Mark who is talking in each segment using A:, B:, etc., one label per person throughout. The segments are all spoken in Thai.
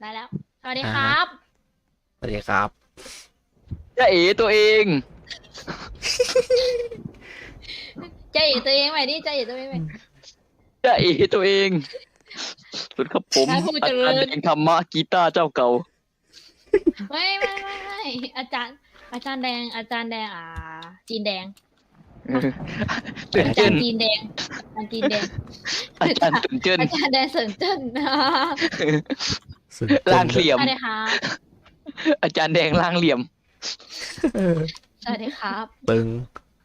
A: ได้แล้วสวัสดีครับ
B: สวัสดีครับ
C: จะเอ๋ตัวเอง
A: ใจเอ๋ตัวเองใหม่ดิใจเอ๋ตัวเองใหม่
C: จะเอ๋ตัวเองสุดครับผม
A: นายผู้
C: อา
A: เจริ
C: จารย์
A: ญ
C: แดงธรรมะกีตาร์เจ้าเก่า
A: ไม่อาจารย์แดงจีนแดง
C: เตื่น
A: อา
C: เต้
A: จาร
C: น
A: ย์จีนแดงอาจารย์จีนแดง
C: อาจารย์ตื่นเต้น
A: อาจารย์แดงเสินเจิ้น
B: สุด
C: ล่างเหลี่ยม
A: สวัสดีครับ
C: อาจารย์แดงล่างเหลี่ยม
A: สวัสดีครับ
B: ตึง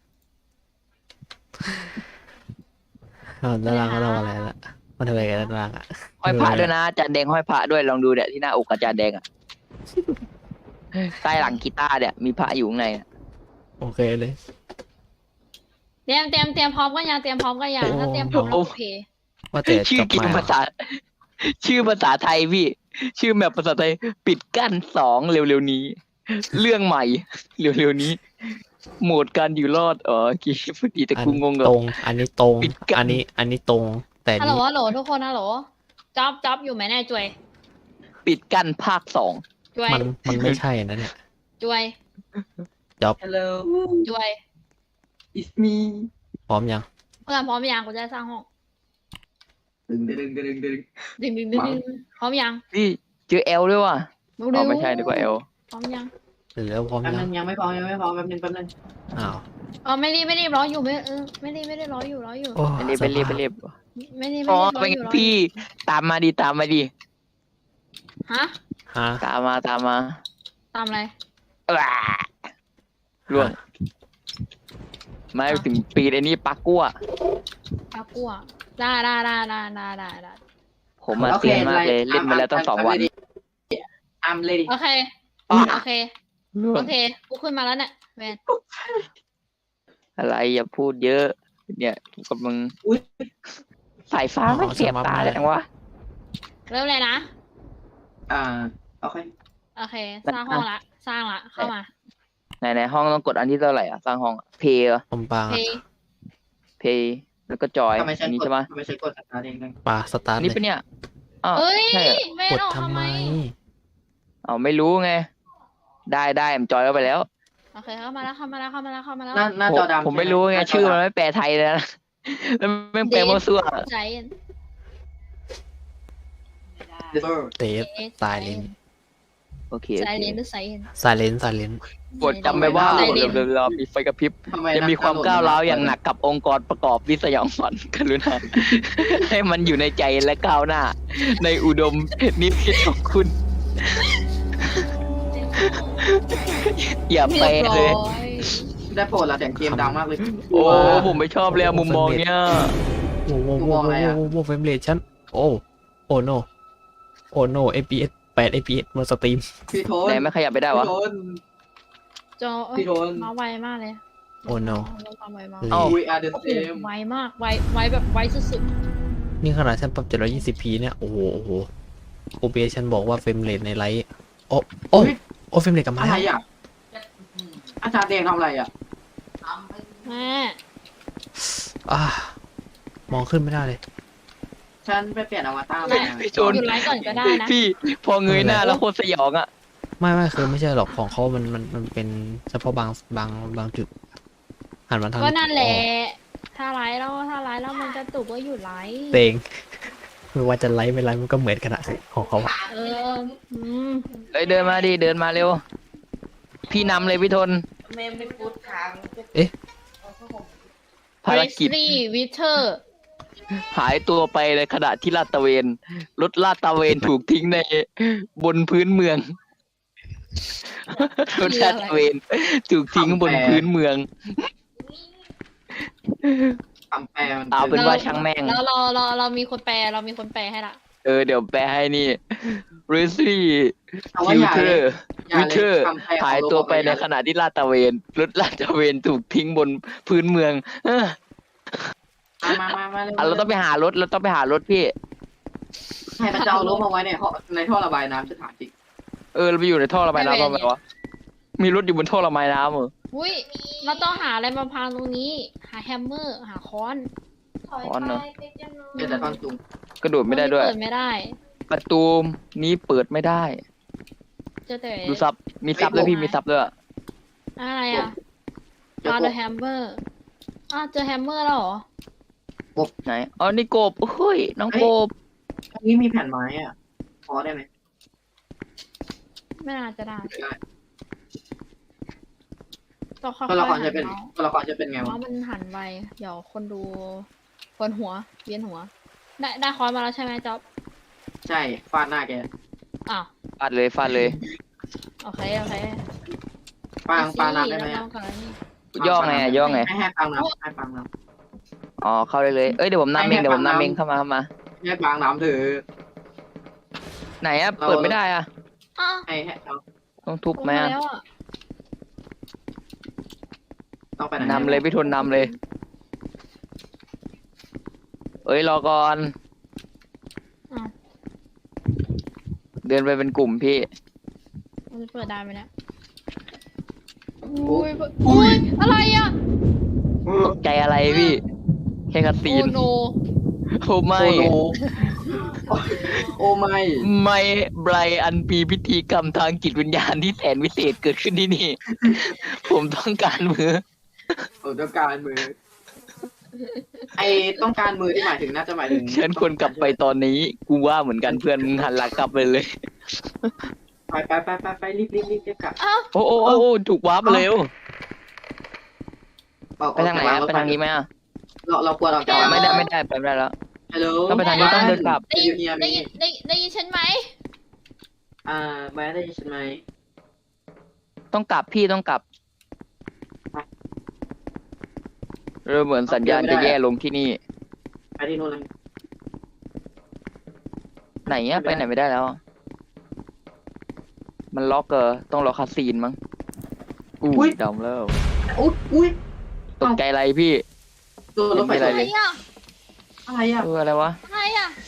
B: ด้านล่างเขาทำอะไรละมันทำอะไรกันด้านล่างอ่ะ
C: ห้อยพระด้วยนะอาจารย์แดงห้อยพระด้วยลองดูเนี่ยที่หน้าอกอาจารย์แดงอ่ะใต้หลังกีตาร์เนี่ยมีพระอยู่ข้างในอะ
B: โอเคเลย
A: เตรียมพร้อมกันยังเตรียมพร้อมกันยังถ้าเตรียมพร้อมแล้วโอเค
B: ว่าแต่
C: ชื่อ
B: จบ
C: เก
B: มาม
C: ภาษา ชื่อภาษาไทยพี่ ชื่อแมปภาษาไทยปิดกั้น2เร็วๆนี้ เรื่องใหม่เร็วๆนี้ โหมดการอยู่รอดกี่พอดีแต่
B: อัน
C: กูงงกับ
B: ตรง อันนี้ตรง
C: ปิดกัน
B: อันนี้ตรง แต่
A: ฮัลโหล
B: นี่
A: ฮัลโหลทุกคนฮัลโหลจ๊อบอยู่ไหมเนี่ยจวย
C: ปิดกั้นภาค 2
A: จวย
B: มันไม่ใช่นะเนี่ย
A: จวย
D: Hello,
A: จวย
D: it's me.
B: พร้อมยัง
A: เพื่อนพร้อมยังกูจะสร้างห้อง
D: Đừng.
A: ดึงพร้อมยัง
C: พี่เจอเอลด้วยว่ะ
A: เร็
C: อ๋อ
A: วๆ
C: ไม่ใช่นึกว่าเอล
A: พร้อมยัง
B: หรือแล้วพร้อม
D: Em
B: ยัง
D: đangยังไม่พอแป๊บนึง
B: อ้าว
A: อ๋อไม่รีบร้ออยู่ไม่ได้ร้ออยู่
B: โอ้
C: ไปรีบไปรีบไปรีบ
A: ไม่รีบ
C: อ๋อ
A: ร้อ
C: เป็น
A: อ
C: ไง
A: ยู่
C: พี่ตามมาดิตามมาดิ
A: ฮะ
B: ฮะ
C: ตามมา
A: ตามอะไร
C: ว้าล่วงไม่ถึงปีไอ้นี่ปักกั้ว
A: ปลากั่วได้
C: ผมมาเซียนมากเลยเล่นมาแล้วตั้ง2 วัน
D: I'm ready.
A: โอเค
C: อ่ะ
A: โอเค
C: ล่ว
A: โอง เคกูขึ้นมาแล้วเนี่ยแมน
C: อะไรอย่าพูดเยอะ เนี่ยกำลัง
D: อุ๊ย
C: สายฟ้าไม่เสียบตาเลยจังวะ
A: เริ่มเลยนะ
D: Okay.
A: โอเค สร้างห้องละสร้างละเข้ามา
C: ในห้องต้องกดอันที่เท่าไหร่อ่ะสร้างห้องเพย์
B: ผมปา
A: เพ
C: เพย์แล้วก็จอย
D: ทำไมฉั
C: อั
D: น
C: นนี้
D: กด
C: ใช่ไหม
D: ทำไมฉันกดอะไรเอง
B: ปาสตาร์ท
C: นี่
B: เล
C: เป็น
B: ย
C: เนี่ยอ้าว
A: เฮ้ย
C: ใช่เหรอ
A: แม่
B: กด
A: ออก
B: ทำ
A: ทำ
B: ไม
A: ไม
C: เอาไม่รู้ไง ได้ผมจอยเข้าไปแล้ว
A: โอเคเข้ามาแล้ว
D: หน้าจอดำ
C: ผมไม่รู้ไงชื่อมันไม่แปลไทยเลยนะ แล้วไม่แปลมั่วซั่ว
A: ใจ
B: เตฟสายเลน
C: โอเค
A: ใจเลนหรือไซเน
B: สายเลนสายเลน
C: กดจำไว้ว่า
A: ใจเลน
C: เดี๋ยวมีไฟกระพริบ
D: ทำไม
C: จะมีความก้าวร้าวอย่างหนักกับองค์กรประกอบวิสยองฝันกรุณา ให้มันอยู่ในใจและก้าวหน้า ในอุดมนิพิตของคุณ อย่าแปลเลย
D: ได้โปรดละเสียงเกมดังมากเลย
C: โอ้ผมไม่ชอบเลยอะมุมมองเนี้ย
B: โว้โว้
D: กู
B: โว้
D: มองอะไรอะ
B: โว้โว้เฟรมเรทฉันโอ้โนFPS 8 FPS บนสตรีม
D: พี่โทน
C: ไหนไม่ขยับไปได้วะ
A: จอ
D: พี่โทน
A: มาไวมากเลย
B: โอ้โน
A: มาไวมาก
B: เอ้า
D: We are the
A: โอ้โห
D: same
A: ไวมากไวแบบไวสุด
B: นี่ขนาดฉันปรับ 720p เนี่ย โอ้โห OBS ฉันบอกว่าเฟรมเรทในไลท์โอ้เฟรมเรทกลับมา
D: อะไร
B: แล้ว
D: อ่ะอาจารย์แดงทำอะไรอ่ะ
A: ๆแม่
B: มองขึ้นไม่ได้เลย
D: ฉันไปเปลี่ยนอวตาร
A: แม่
D: มา
C: พี่
A: ห
C: โจน
A: ยุดไลฟ์ก่อนก็ได้นะ
C: พี่พอเงยหน้าแล้วโคตรสยองอ่ะ
B: ไม่คือไม่ใช่หรอกของเขามันเป็นเฉพาะบางจุดหันมาทาง
A: ก็นั่นแหละ ถ้าไลฟ์แล้วมันจะตุกว่าหยุดไลฟ์
B: เตงไม่ว่าจะไลท์ไม่ไลท์มันก็เหมือนกันอะของเขาอะ
A: เอออืม
C: เอ้ยเดินมาดิเดินมาเร็ว พี่นำเลยพี่ทน
E: เมมไม่พูดค้าง
C: ภารกิจ
A: Grizzly Witcher
C: หายตัวไปในขณะที่ลาดตระเวนรถลาดตระเวนถูกทิ้งในบนพื้นเมือง รถลาดตระเวนถูกทิ้งบนพื้นเมือง
D: คำแปลมัน
C: เอาเป็นว่าช่างแม่ง
A: แล้วเรามีคนแปลให้ละ
C: เดี๋ยวแปลให้นี่ ริซี่
D: เอาว่า
C: ฟิว
D: อย่า
C: เตอ
D: เลย
C: ร์
D: อย่า
C: วิ
D: เล
C: เทอร์
D: คำแปล
C: หายตัวไปในขณะที่ลาดตระเวนรถลาดตระเวนถูกทิ้งบนพื้นเมืองเออ
D: มาเลย
C: เราต้องไปหารถพี่
D: ใครมันจะเอารถมาไว้ในท่อระบายน้ำจะถามจริง
C: เราไปอยู่ในท่อระบายน้ำทำไมวะมีรถอยู่บนท่อระบายน้ำเหรอ
A: อุ้ยเราต้องหาอะไรมาพังตรงนี้ หาแฮมเมอร์หาค้อน
E: ถอย
C: อ๋อเนอะ
E: ไปติดยังน้อย
D: เดี๋ยวแต่ตอนจุง
C: กระโดดไม่ได้ด้วย
A: เปิดไม่ได้
C: ประตูนี้เปิดไม่ได้
A: เจอแต่
C: ดูซับมีซับด้วยพี่มีซับด้วย
A: อะไรอ่ะ
D: เดี๋ยว
A: ฟาเดอร์แฮมเมอร์เจอแฮมเมอร์แล้วเหรอ
C: ไหนอ๋อนี่กบเฮ้ยน้องกบ
D: ตรงนี้มีแผ่นไม้อ่ะพอได้ไหม
A: ไม่น่าจะได้
D: ไม่ได้
A: ต้องค่อย
D: ตัวละคร
A: ๆ
D: จะเป็น
A: หัน
D: ตัวละครจะเป็นไง
A: เมาส์
D: วะ
A: มันหันไวเดี๋ยวคนดูปวดหัวเวียนหัว ได้คอร์สมาแล้วใช่ไหมจ๊อบ
D: ใช่ฟาดหน้าแก
A: อ้าว
C: ฟาดเลยฟาดเลย
A: โอเค
D: ปางน้ำได้ไหม
A: แล้ว
D: อะ
A: น้องก่อนแล้วนี่
C: ย่อไงอะย่อไง
D: ให้ปางน้ำให้ปางน้
C: อ๋อเข้าได้เลยเอ้ยเดี๋ยวผมนำเองเดี๋ยวผมนำเองเข้ามา
D: ำให้ปางน้ำเถอะ
C: ไหนอะเปิดไม่ได้อะ
A: อ้าว
D: ให้เอา
C: ต้องทุบ
A: ลง
C: ไหม
A: มา
C: อะ
A: แล้วอ่ะ
D: ต้องไปไหน
C: นำเลยพี่ทุนนำเลยเอ้ยรอก่อน
A: อ้าว
C: เดินไปเป็นกลุ่มพี่
A: มันจะเปิดได้ไหมเนี่ยอุ้ยอะไรอ่ะ
C: ตกใจอะไรพี่แค่คัดซี
A: โอ้
C: น
A: โน
C: โอ้ไม่
D: โอ้โหโอ้ไม่
C: ไม่ไบรอันมีพิธีกรรมทางจิตวิญญาณที่แสนวิเศษเกิดขึ้นที่นี่ ผมต้องการมือ
D: ผมต้องการมือ ไอต้องการมือที่หมายถึงน่าจะหมายถึง
C: ฉันควรกลับไปตอนนี้ กูว่าเหมือนกันเพื่อนมึงหันหลังกลับไปเลย
D: ไปรีบกลับ
A: อ้าว
C: โอ้โอ้โอ้โอ้ถูกวาร์ปมาเร็ว
D: ออก
C: ไปทางไหนอะไปทางนี้ไหมอะ
D: เราควรออกจาก
C: ไม่ได้ไปไม่ได้แล้ว
D: ฮัลโหล
C: ต้องไปทางนี้ต้องเดินกลับ
A: ได้ยินได้ยินฉันไหม
D: แม่ได้ยินฉันไหม
C: ต้องกลับพี่ต้องกลับเริ่มเหมือนสัญญาณจะแย่ลงที่นี่
D: ไปที่โน่นเลย
C: ไหนอะไปไหนไม่ได้แล้วอะมันล็อกต้องรอคาซีนมั้งดำแล้ว
D: อุ้ย
C: ตกใจอะไรพี่
D: ตัวรถไฟ
C: ไม่
A: อะ
C: เป็น
A: ไร
C: ไร
A: อ่ะ
D: อะไรอ่ะ
C: อะไรวะ
A: อะไรอ่ะ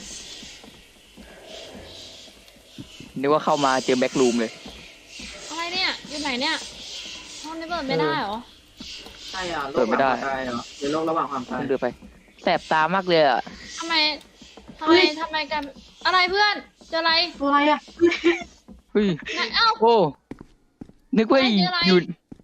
C: นึกว่าเข้ามาเจอแบ็กรูมเลย
A: อะไรเนี่ยอยู่ไหนเนี่ยห้องนี้เปิดไม่ได้เหรอ
D: ใช่อ่ะโลกระหว่างความตายเหรอหรือโลกระหว่างความตาย
C: เดินไปแสบตามากเลยอะ
A: ทำไมกันอะไรเพื่อนเจออะไร
D: ตัวอะไรอ่ะ
C: เฮ้ย
A: ไหนเอ้า
C: โอ้นึกว่า
A: อะไรอะไร
C: อยู่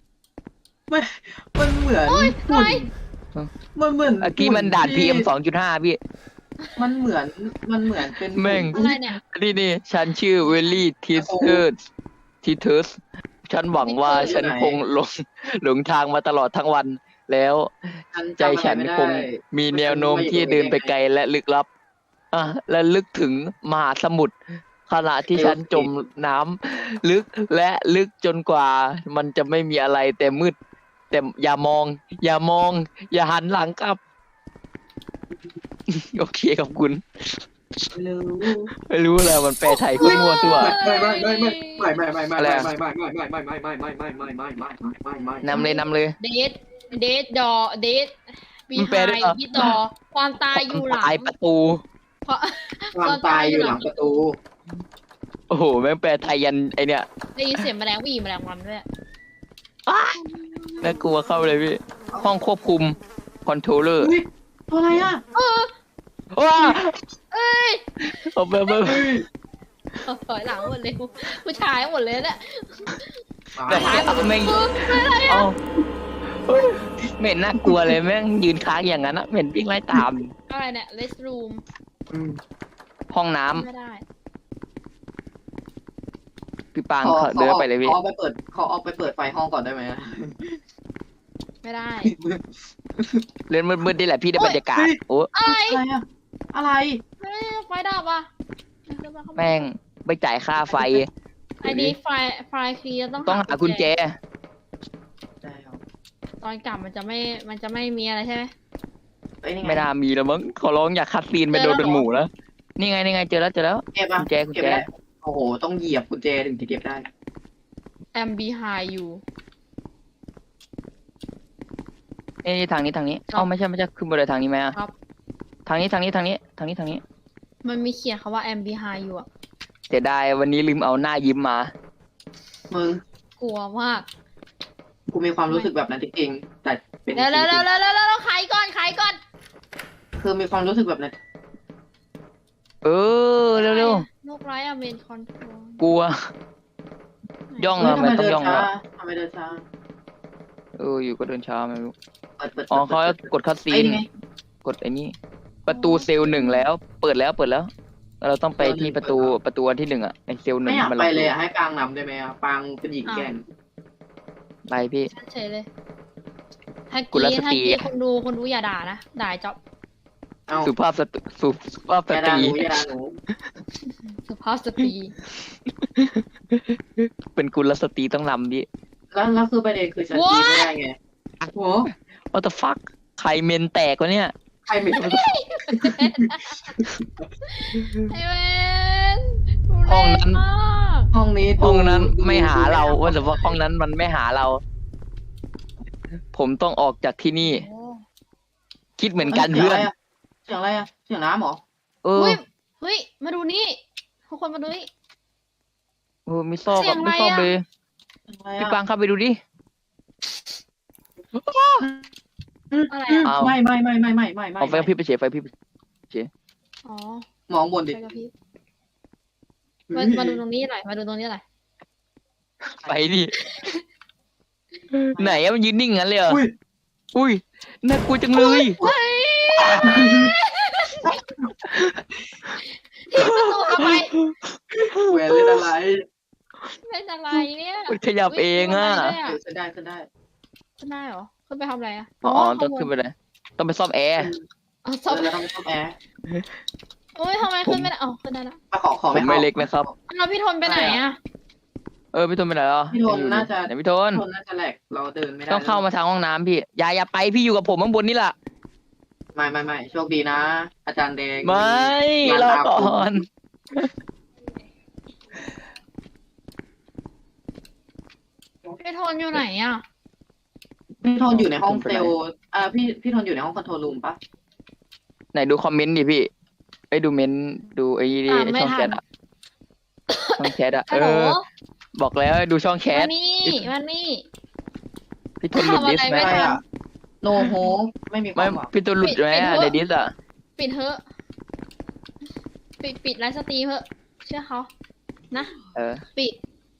D: มันเหมือน
A: โอ๊ย
D: หุ่น
A: อะไร
D: มันเหมือน
C: เมื่อกี้มันด่าน PM 2.5พี่
D: มันเหมือนเป็น
C: แม่ง
A: อะไรเนี่ย
C: นี่ฉันชื่อเวลลี่ทีเทอร์สฉันหวังว่าฉันคงหลงทางมาตลอดทั้งวัน แล้วใจฉันคงมีแนวโน้มที่เดินไปไกลและลึกลับและลึกถึงมหาสมุทรขณะที่ฉันจมน้ำลึกและลึกจนกว่ามันจะไม่มีอะไรแต่มืด แต่อย่ามอง อย่าหันหลังกลับ โอเคขอบคุณ ไม่รู้เลยมันแปลไทยก็มั่วตัว นำเลย
A: เดทดอเดทบี
C: มัน
A: ไฮ
C: แปลได้เหรอ
A: บีดอความตายอยู่หลัง
C: ตายประตู
A: เพราะ
D: ความตายอยู่หลังประตู
C: โอ้โหแม่งแปลไทยยันไอเนี่ย
A: ได้ยินเสียงแมลงวี่แมลงวันด้วย
C: น่ากลัวเข้าเลยพี่ ห้องควบคุมคอนโทรลเลอร์
D: อุ้ยตัวอะไรอ่ะ
C: ว้า
A: เอ้ย
C: เอาไป
A: ถอยหลังหมดเลยผู้ชายหมดเลยเนี่ย
C: แต่แม่งเอาเฮ้ยไม่เห็นน่ากลัวเลยแม่งยืนค้างอย่างนั้นนะไม่เห็นวิ่งไล่ตาม
A: อะไรเนี่ยเลสรูม
C: ห้องน้ำ
A: ไม่ได้
C: พี่ปางเขาเดินไปเลยพี่
D: เขาเอาไปเปิดไฟห้องก่อนได้ไหม
A: ไม่ได้
C: เล่นมืดๆนี่แหละพี่ได้บรรยากาศโอ้
A: อะไร
D: อะไรอ่ะอะไร
A: เฮ้ยไฟดับอ่ะ
C: แม่งไปจ่ายค่าไฟ
A: ไอดีไฟเคลียร์ต้อง
C: ต้องหากุญแจ
A: ตอนกลับมันจะไม่มีอะไรใช่ไหม
C: ไม่น่ามีแล้วมั้งขอร้องอยากคัดซีนไปโดนเป็นหมูแล้วนี่ไงเจอแล้ว
D: เก็บ
C: กุญแจ
D: เก็บได้โอ้โหต้องเหยียบกุญแจถึงจะเก็บได้
A: am behind you
C: ทางนี้เอ้าไม่ใช่ขึ้นไปเลยทางนี้ไหมอะ
A: ครับ
C: ทางนี้
A: มันมีเขียนคำว่า am behind you อ่ะ
C: เสียดายวันนี้ลืมเอาหน้ายิ้มมา
D: มึง
A: กลัวมาก
D: กูมีความรู้สึกแบบนั้นจริงๆแต่เป็น
A: แล้วขายก่อน
D: คือมีความรู้สึกแบบนั้น
C: เออเร็ว
A: โนกไลท์อะเมนคอนโทรล
C: กลัว ย่อง
D: เฮ้ย
C: อะ
D: ทำ
C: ไม่
D: ไม
C: ต้อง
D: เดิน
C: ย่อง
D: ช้า
C: แล้ว
D: ทำไมเดินช้า
C: อยู่ก็เดินช้าไม่รู้
D: เปิด
C: อ๋อเขากดคัดซี
D: ไอ้
C: น
D: นี่ไง
C: กดไอ้นี่ประตูเซลล์หนึ่งแล้ว เปิดแล้วเราต้องไปที่ประตูอันที่หนึ่งอะไอเซลล์หนึ่
D: ไม่
C: ง
D: อยาก
C: มัน
D: ไป
C: ล็อกอ
D: เลย
C: ยู่
D: อะให้ปางนำได้ไหมอะปางเป็นหญิงแกร่ง
C: ไปพี่
A: ฉันเฉยเลยถ้า
C: กุล
A: กี้
C: ส
A: ถ้า
C: ตรี
A: กี้คนดูอย่าด่านะด่าจ๊อบ
D: เอา
C: สุภาพสุภาพส
D: อย่า
C: ต
D: ด่า
C: รี
D: หนูอย่าด่าหนู
A: สุภาพสตรี
C: เป็นกุลสตรีต้องนำดิ
D: แล้วคือประเด็นคือฉันตีไม่ได้ไงโห
C: What the fuck ใครเมนแตกวะเนี่ย
D: ใครไม่รู้
A: ไอ้เวน
C: ห้องนั้น
A: มาก
D: ห้องนี้ดู
C: ห้องนั้นไม่หาเรา
D: ดู
C: ว่าแต่ว่าห้องนั้นมันไม่หาเรา ผมต้องออกจากที่นี่
A: โอ้
C: คิดเหมือนกันเพื่อน
D: เสียงอะไรอะเสียงน้ำเหรอ
C: เออ
A: เฮ้ยมาดูนี่ทุกคนมาดูนี่
C: ไม่ชอบ
A: เสียงอะไร
C: ไม่ชอบ
A: อะ
C: เลย
D: เสียงอะไร
C: พี่
D: อะ
C: ปังเข้าไปดูดิ
A: อะไรอะ
C: อ้าว
D: ไม่
C: เอาไฟพี่ไปเฉยไฟพี่ไป
A: อ๋อ
D: มองบนดิ
A: ไปกับพี่มาดูตรงนี้หน่อยมาดูตรงนี้หน่อย
C: ไปดิไหนอะมันยืนนิ่งงั้นเลยเหรอ
D: อุ้ย
C: อุ้ยน่ากลัวจังเลย
A: เฮ้ยทิ้งประตูทำไม
D: แหวนเล่นอะไร
A: เป็นอะไรเนี่ย
C: มันขยับเองอะ
D: ขึ้นได้ขึ้นได้
A: ขึ้นได้เหรอขึ้นไปทำอะไรอะ
C: อ๋อต้องขึ้นไปไหนต้องไปซ่อมแอร์
A: อ๋อ
D: เออแล้วต้องซ่อมแอร์
A: โอ้ยทำไมขึ้นไม่ได้อ๋อขึ้นได้แล้ว
D: มาขอ
C: ผมไม่เล็กนะครับ
A: แล้วพี่ทนไปไหนอะ
C: พี่ทนไปไหนอ่ะ
D: พี่ทนน่าจะ
C: ไหนพี่ทน
D: คนน่าจะแหลกเราเดินไม่ได้
C: ต้องเข้ามาทางห้องน้ำพี่อย่าไปพี่อยู่กับผมข้างบนนี่แหละ
D: ไม่โชคดีนะ อาจารย์แดง
C: ไม่รอก่อน
A: พี่ทนอยู่ไหนอะ
D: พี่ทนอยู่ในห้องเซลล์พี่ทนอยู่ในห้องคอนโทรลรูมปะ
C: ไหนดูคอมเมนต์ดิพี่ไอ้ดูเมนต์ดูไอ้นี่ดิช่องแชทอะช่องแชทอะ
A: ฮัลโหล
C: บอกแล้วให้ดูช่องแช
A: มา
C: ท
A: นี่มานี่
C: พี่ทนหลุดดิส
A: ทำอะไร
C: ไหม
A: ไม่
D: อะไร
A: ทัน
D: อะโนโฮไม่มีค
C: ไม่
D: วามหวัง
C: พี่ทนหลุดไหมอะ
A: ปิด
C: ในดิสอะ
A: ปิดเถอะปิดไลฟ์สตรีมเถอะเชื่อเขานะ
C: เออ
A: ปิด